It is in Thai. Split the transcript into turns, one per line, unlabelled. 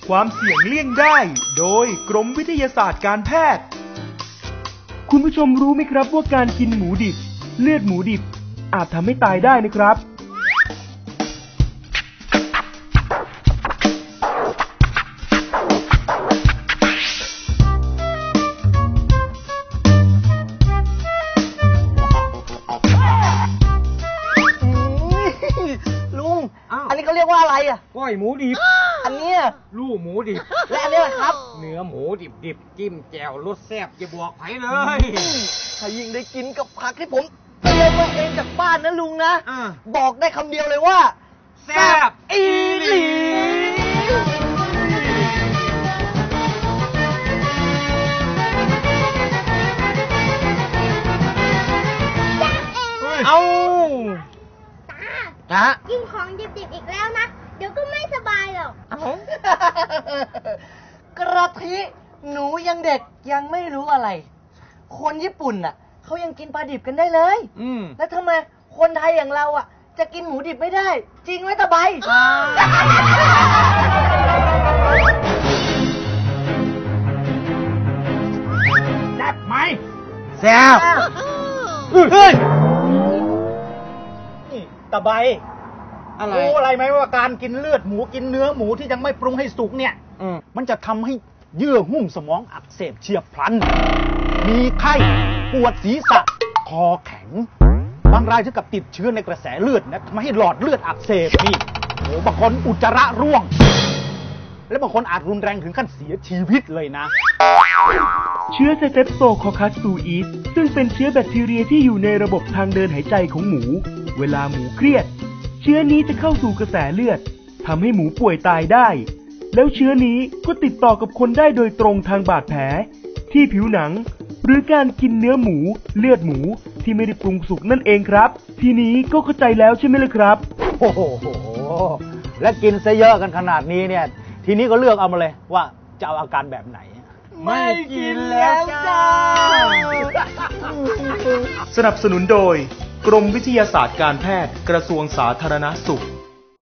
ความเสี่ยงเลี่ยงได้โดยกรมวิทยาศาสตร์การแพทย์คุณผู้ชมรู้ไหมครับว่าการกินหมูดิบเลือดหมูดิบอาจทำให้ตายได้นะครับ
อันนี้เขาเรียกว่าอะไรอ่ะ
ก้อยหมูดิบ
อันเนี้ย
ลูกหมูดิบ
และอันนี้แหละครับ
เนื้อหมูดิบจิ้มแจ่วรสแซ่บจะบอกไผเลย
ถ้ายิ่งได้กินกับผักที่ผมเตรียมมาเองจากบ้านนะลุงนะบอกได้คำเดียวเลยว่า
แซ่บอีหลี
เอา
ตากินของดิบๆอีกแล้วนะเดี๋ยวก็ไม่สบายหรอก
กระทิหนูยังเด็กยังไม่รู้อะไรคนญี่ปุ่นน่ะเขายังกินปลาดิบกันได้เลยแล้วทำไมคนไทยอย่างเราอ่ะจะกินหมูดิบไม่ได้จริงไหมตาใบ
แซ่บไหมแซ่บ
เฮ้ย
ตาใบรู้อะไรไหมว่าการกินเลือดหมูกินเนื้อหมูที่ยังไม่ปรุงให้สุกเนี่ยมันจะทำให้เยื่อหุ้มสมองอักเสบเฉียบพลันมีไข้ปวดศีรษะคอแข็งบางรายถึงกับติดเชื้อในกระแสเลือดนะทำให้หลอดเลือดอักเสบนี่โอ้บางคนอุจจาระร่วงและบางคนอาจรุนแรงถึงขั้นเสียชีวิตเลยนะ
เชื้อไซเตปโซคอคัสซูอีสซึ่งเป็นเชื้อแบคทีเรียที่อยู่ในระบบทางเดินหายใจของหมูเวลาหมูเครียดเชื้อนี้จะเข้าสู่กระแสเลือดทำให้หมูป่วยตายได้แล้วเชื้อนี้ก็ติดต่อกับคนได้โดยตรงทางบาดแผลที่ผิวหนังหรือการกินเนื้อหมูเลือดหมูที่ไม่ได้ปรุงสุกนั่นเองครับทีนี้ก็เข้าใจแล้วใช่ไหมล่ะครับ
โอ้โหและกินซะเยอะกันขนาดนี้เนี่ยทีนี้ก็เลือกเอามาเลยว่าจะเอาอาการแบบไหน
ไม่กินแล้วจ้า
สนับสนุนโดยกรมวิทยาศาสตร์การแพทย์กระทรวงสาธารณสุข